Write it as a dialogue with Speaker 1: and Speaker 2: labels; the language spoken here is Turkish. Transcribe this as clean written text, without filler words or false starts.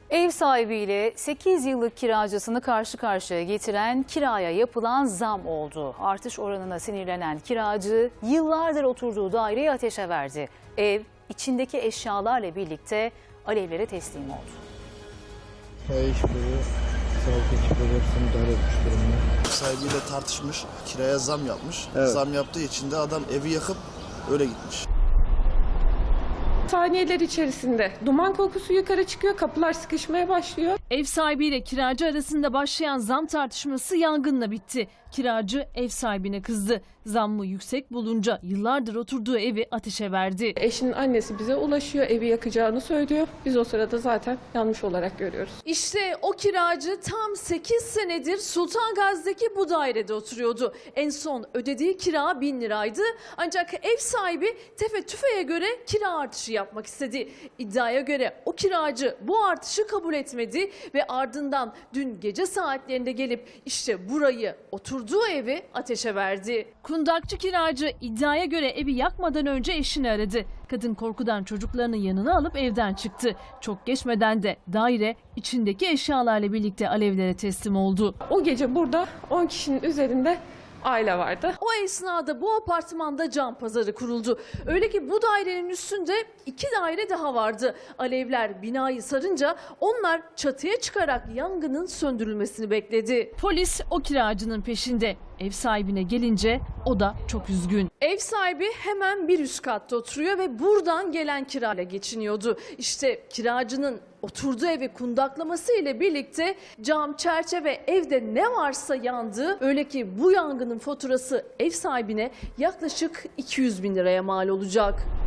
Speaker 1: Ev sahibiyle 8 yıllık kiracısını karşı karşıya getiren kiraya yapılan zam oldu. Artış oranına sinirlenen kiracı yıllardır oturduğu daireyi ateşe verdi. Ev içindeki eşyalarla birlikte alevlere teslim oldu.
Speaker 2: Sağlık ekipleri hepsini müdahale etmiş durumda.
Speaker 3: Sahibiyle tartışmış, kiraya zam yapmış.
Speaker 2: Evet.
Speaker 3: Zam yaptığı için de adam evi yakıp öyle gitmiş.
Speaker 4: Saniyeler içerisinde duman kokusu yukarı çıkıyor, kapılar sıkışmaya başlıyor.
Speaker 5: Ev sahibiyle kiracı arasında başlayan zam tartışması yangınla bitti. Kiracı ev sahibine kızdı. Zammı yüksek bulunca yıllardır oturduğu evi ateşe verdi.
Speaker 4: Eşinin annesi bize ulaşıyor, evi yakacağını söylüyor. Biz o sırada zaten yanlış olarak görüyoruz.
Speaker 5: İşte o kiracı tam 8 senedir Sultan Gazi'deki bu dairede oturuyordu. En son ödediği kira 1000 liraydı. Ancak ev sahibi tefe tüfeğe göre kira artışı yapmak istedi. İddiaya göre o kiracı bu artışı kabul etmedi ve ardından dün gece saatlerinde gelip işte burayı, oturduğu evi ateşe verdi. Kundakçı kiracı iddiaya göre evi yakmadan önce eşini aradı. Kadın korkudan çocuklarını yanına alıp evden çıktı. Çok geçmeden de daire içindeki eşyalarla birlikte alevlere teslim oldu.
Speaker 4: O gece burada 10 kişinin üzerinde aile vardı.
Speaker 5: O esnada bu apartmanda can pazarı kuruldu. Öyle ki bu dairenin üstünde 2 daire daha vardı. Alevler binayı sarınca onlar çatıya çıkarak yangının söndürülmesini bekledi. Polis o kiracının peşinde. Ev sahibine gelince o da çok üzgün. Ev sahibi hemen bir üst katta oturuyor ve buradan gelen kirayla geçiniyordu. İşte kiracının oturduğu evi kundaklaması ile birlikte cam, çerçeve, evde ne varsa yandı. Öyle ki bu yangının faturası ev sahibine yaklaşık 200 bin liraya mal olacak.